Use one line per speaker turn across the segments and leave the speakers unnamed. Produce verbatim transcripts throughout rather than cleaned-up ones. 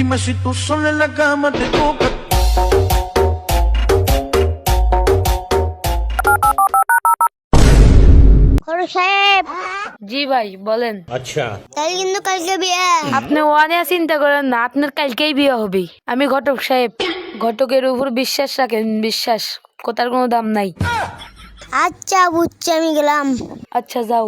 Dime si tú sola en la cama te toca.
খরু সাহেব,
জি ভাই বলেন।
তাহলে কিন্তু কালকে বিয়ে।
আপনি ওয়ানে চিন্তা করেন না, আপনার কালকেই বিয়ে হবে। আমি ঘটক সাহেব, ঘটকের উপর বিশ্বাস রাখেন, বিশ্বাস কথার কোনো দাম নাই।
আচ্ছা বুঝছি, আমি গেলাম।
আচ্ছা যাও।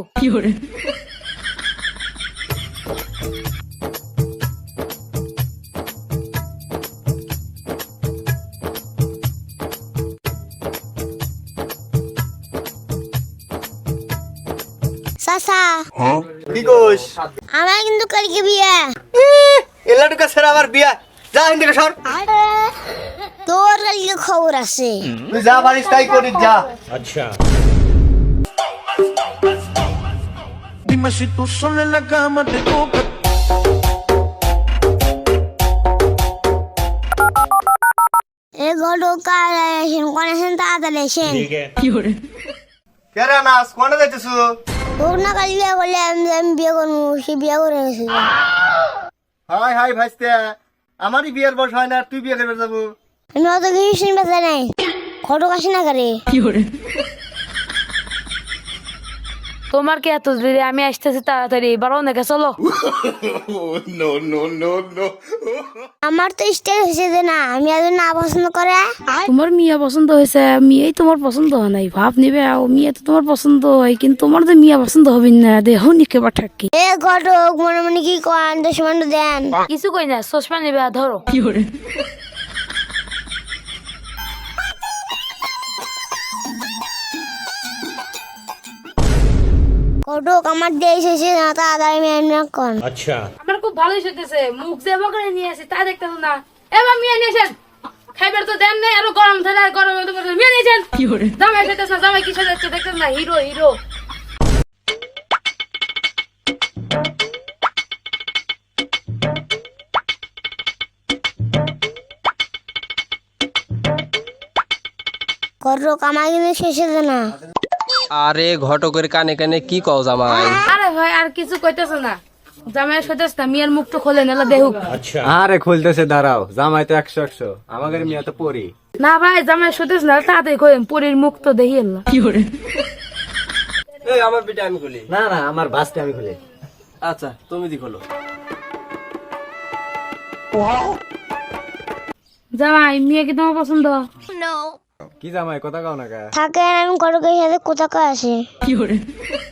চাচা,
কি কোস
আমার কিন্তু কালকে বিয়ে।
এলাটুকা স্যার আবার বিয়া যা হিন্দি সর
তোর কালকে খবর আছে।
তুই যা পারিস তাই করিস যা
Dime si tú sola en la cama te toca.
এ ঘটক কাল আসেন, কোন আসেন তাড়াতাড়ি আসেন।
কেরা নাস কোনে যাইতেছু
তোর না কাল বিয়ে করলে আমি আমি বিয়ে করবো, সে বিয়ে করে গেছে।
হাই হাই ভাইস্তে আমারই বিয়ের বয়স হয় না তুই বিয়ে করবে যাবো
আমি অত কিছু শুনতে চাই নাই। ঘটক আসে না করে।
তোমার কি এত দেরি? আমি আসতেছি তাড়াতাড়ি, এবার অনেকে চলো।
আমার তো ইষ্ট হয়েছে যে না, আমি আজ না পছন্দ করে।
তোমার মিয়া পছন্দ হয়েছে, মেয়েই তোমার পছন্দ হয় নাই। ভাব নিবে মিয়া তো তোমার পছন্দ হয়, কিন্তু তোমার তো মিয়া পছন্দ হবে না। দেহ নিকে পাঠাকি
এ ঘটক মনে মনে কি করেন, দশ মিনিট দেন।
কিছু কই না, চশমা নিবে ধরো।
ঘটক আমার দেশ হয়েছে না, তাড়াতাড়ি মেহনত করেন।
আমার খুব ভালোই সেজেছে, মুখ যে বকরে নিয়ে আসি তা দেখতেছ না। এবার মিয়া নিয়েছেন, খাইবার তো দেন নাই, আরো গরম থাকে, আর গরম তো মিয়া নিয়েছেন। জামাই সেজেছ না, জামাই কি সেজেছে দেখতেছ না, হিরো হিরো।
ঘটক আমার কিন্তু শেষ হয়েছে না।
আরে ঘটকের কানে কানে কি কও জামাই?
আরে ভাই আর কিছু কইতেছ না, জামাই সেজেছ না, মিয়ার মুখটা খোলে নালা দেখুক।
আরে খুলতেছে, দাঁড়াও। জামাই তো একশো একশো, আমাদের মিয়া তো পরি।
না ভাই জামাই সেজেছ না, তাড়াতাড়ি কইন, পরীর মুখ তো দেখি এলা।
এই আমার পিঠে আমি খুলি।
না না, আমার বাসটা আমি খুলে।
আচ্ছা তুমি দি খোলো।
জামাই মিয়া কি তোমার পছন্দ?
কি জামাই কথা কাও না কা?
থাকেন, আমি ঘটকের সাথে কোথাকার আসি।